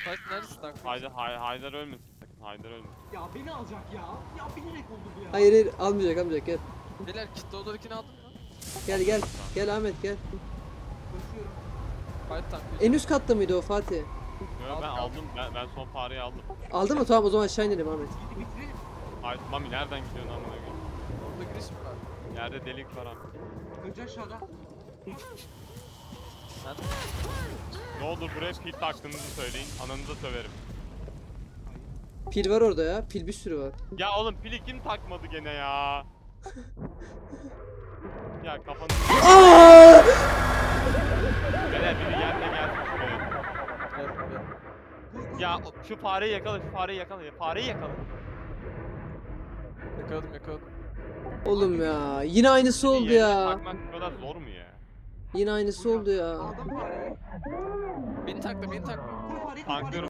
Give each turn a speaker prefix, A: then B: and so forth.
A: Taş neredesin lan?
B: Haydar ölmesin sakın. Haydar ölmesin.
C: Ya beni alacak ya. Ya bilerek oldu bu ya.
D: Hayır hayır almayacak gel.
A: Beyler kitle odalarını aldın mı?
D: Gel. Gel Ahmet gel.
C: Koşuyorum.
A: Fight tank.
D: En üst katta mıydı o Fatih?
B: Yo, ben aldım. Ben son fareyi aldım.
D: Aldın mı? Tamam o zaman aşağı inelim Ahmet.
C: Gidi bitirelim.
B: Hayır Mami nereden gidiyorsun amına koyayım?
A: Orada giriş mi var?
B: Yerde delik var abi.
C: Önce aşağıda.
A: Nerede?
B: Ne olur buraya pil taktığınızı söyleyin. Ananıza söverim.
D: Pil var orada ya. Pil bir sürü var.
B: Ya oğlum pili kim takmadı gene ya? Ya kafanı...
D: Aa!
B: Beyler biri geldi gelsin şuraya.
A: Gel gel.
B: Ya şu fareyi yakala, şu fareyi yakala. Fareyi yakala.
A: Yakaladım.
D: Oğlum ya. Yine aynısı oldu
B: Yerine
D: ya.
B: takmak bu kadar zor mu ya?
D: Yine aynısı oldu ya.
C: Aldım fareyi.
A: Beni takla.
C: Koy fareyi, koy
B: Tanklıyorum.
C: fareyi.